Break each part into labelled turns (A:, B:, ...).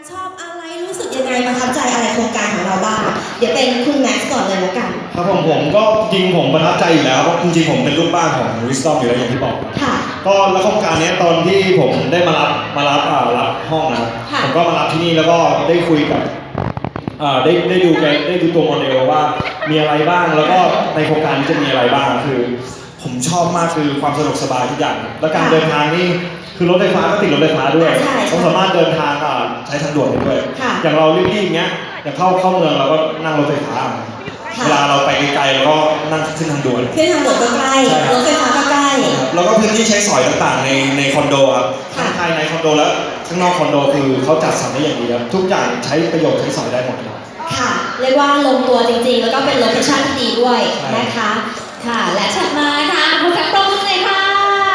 A: ชอบอะไรรู้สึกยังไงประทับใจอะไรโครงการของเราบ้างเดี๋ยวเป็นคุณแม็กซ์ก่อนเลยแล้วกัน
B: ครับผมก็จริงผมประทับใจอยู่แล้วเพราะจริงๆผมเป็นลูกบ้านของ Wisdom อยู่แล้วอย่างที่บอก
A: ค่ะ
B: ก็แล้วโครงการนี้ตอนที่ผมได้มารับห้องนะครับผมก็มารับที่นี่แล้วก็ได้คุยกับได้ดูตัวโมเดลว่ามีอะไรบ้างแล้วก็ในโครงการนี้จะมีอะไรบ้างคือผมชอบมากคือความสะดวกสบายทุกอย่างแล้วการเดินทางนี่คือรถไฟฟ้าก็ติดรถไฟฟ้าด้วยต้องสามารถเดินทางใช้ทางด่วนได้ด้วยอย่างเรารีบๆเงี้ยอย่างเข้าเมืองเราก็นั่งรถไฟฟ้าเวลาเราไปไกลๆเราก็นั่งขึ้นทางด่วน
A: ขึ้นทางด่วนก็ใกล้รถไฟฟ้าก็ใกล้
B: แล้วก็พื้นที่ใช้สอยต่างๆในคอนโดครับทั้งภายในคอนโดและข้างนอกคอนโดคือเขาจัดสรรได้อย่างดีครับทุกอย่างใช้ประโยชน์ใช้สอยได้หมดครับ
A: ค่ะเรียกว่าลงตัวจริงๆแล้วก็เป็นโลเคชั่นที่ดีด้วยนะคะ
C: ค่ะและถัดมาค่ะคุณแฟนปรบมือเลยค่ะ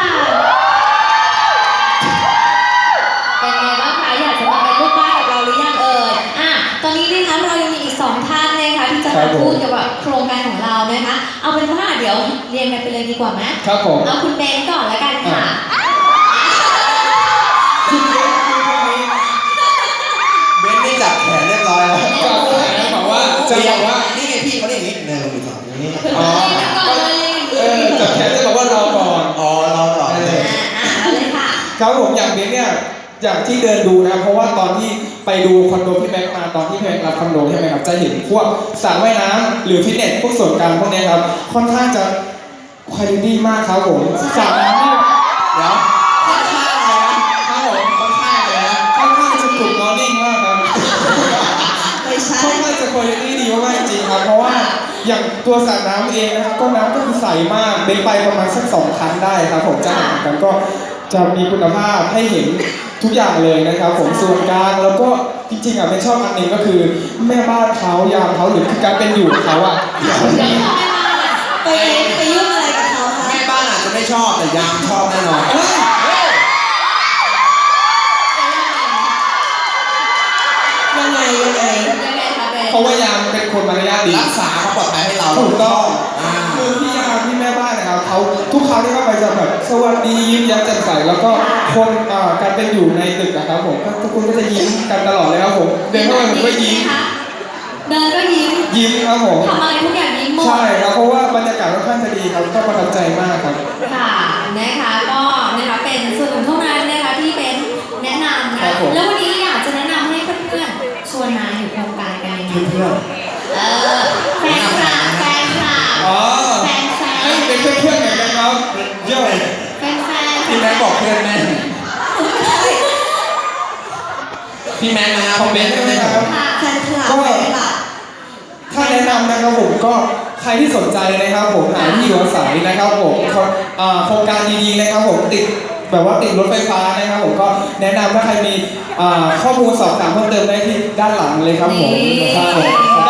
C: เป็นไงบ้างคะอยากจะมาเป็นลูกบ้านกับเราหรือยังเอ่ยตอนนี้นะคะเรายังมีอีก2ท่านนะคะที่จะมาพูดเกี่ยวกับโครงการของเรานะคะเอาเป็นว่าเดี๋ยวเรียนกันไปเลยดีกว่าไหม
D: ครับผม
C: เอาคุณเบนก่อนแล้วกันค่ะ
E: เบนนี่จับแขนเรียบร้อยแล้ว
D: จับแขนบอกว่าจะบอกว่า
E: นี่ไงพี่เขาเรียกอย่างนี้1 2นี้
C: อ๋อ
D: จับแขนจะบอกว่ารอก่อน
E: รอก่อน
C: เลยค่ะ
D: ครับผมอย่างเบนเนี่ยอย่างที่เดินดูนะเพราะว่าตอนที่ไปดูคอนโดพี่แม็กมาตอนที่พี่แม็กรับคอนโดใช่ไหมครับจะเห็นพวกสระว่ายน้ำหรือฟิตเนสพวกส่วนกลางพวกนี้ครับค่อนข้างจะคุณภาพดีมากครับผมสระน้ำนี่
E: เดี๋ยวค่อนข้างอะไรนะครับผมค่อนข้างอะไรนะ
D: ค่อนข้างจะกลุ่มมอร์นิ่งมากครับ
A: ไม่ใช่
D: ค่อนข้างจะคุณภาพดีมากจริงครับเพราะว่าอย่างตัวสระน้ำเองนะครับก็น้ำก็คือใสมากเบนไปประมาณสัก2 ครั้งได้ครับผมจะเห็นกันก็จะมีคุณภาพให้เห็นทุกอย่างเลยนะครับผมส่วนกลางแล้วก็จริงๆเป็นชอบอันหนึ่งก็คือแม่บ้านเขายามเขาหรือการเป็นอยู่เขา
A: ไปยุ่งอะไรกับเขาคะ
E: แม่บ้านอาจจะไม่ชอบแต่ยามชอบแน่นอน
A: ยังไง
D: เพราะว่ายามเป็นคนมารยาทดี
E: รักษาความปลอดภัยให้เรา
D: ถูกต้องคือพี่ยามพี่แม่บ้านนะครับเขาทุกครั้งที่เข้าไปจะแบบสวัสดียิ้มแย้มแจ่มใสแล้วก็คนการเป็นอยู่ในตึกนะครับผมทุกคนก็จะยิ้มกันตลอดเลยครับผมเดินเข้าไปผมก็ยิ้ม
C: เดินก็
D: ยิ้มครับผม
C: ทำอะไรทุกอย่างยิ้มหมด
D: ใช่ครับเพราะว่าบรรยากาศค่อนข้างจะดีครับก็ประทับใจมากครับ
C: ค่ะนะคะก็นะคะเป็นส่วนหนึ่งเท่านั้นนะคะที่เป็นแนะนำนะแล้ววันนี้อยากจะแนะนำให้เพื่อนๆชวนมาอยู่โครงการกันยังไง
E: เพื่อน
C: แฟนคลับแฟน
D: เป็นเพื่อนๆกันนะครับเยอะ
C: แฟน
E: พี่แม่บอกเพื่อนแม่พี่แม่นะ
D: คอมเมนต์ด้วยนะครับ
A: แฟนคลับ
D: ถ้าแนะนำนะครับผมก็ใครที่สนใจนะครับผมหาที่อยู่อาศัยนะครับผมโครงการดีๆนะครับผมติดแบบว่าติดรถไฟฟ้านะครับผมก็แนะนำถ้าใครมีข้อมูลสอบถามเพิ่มเติมได้ที่ด้านหลังเลยครับผมครับ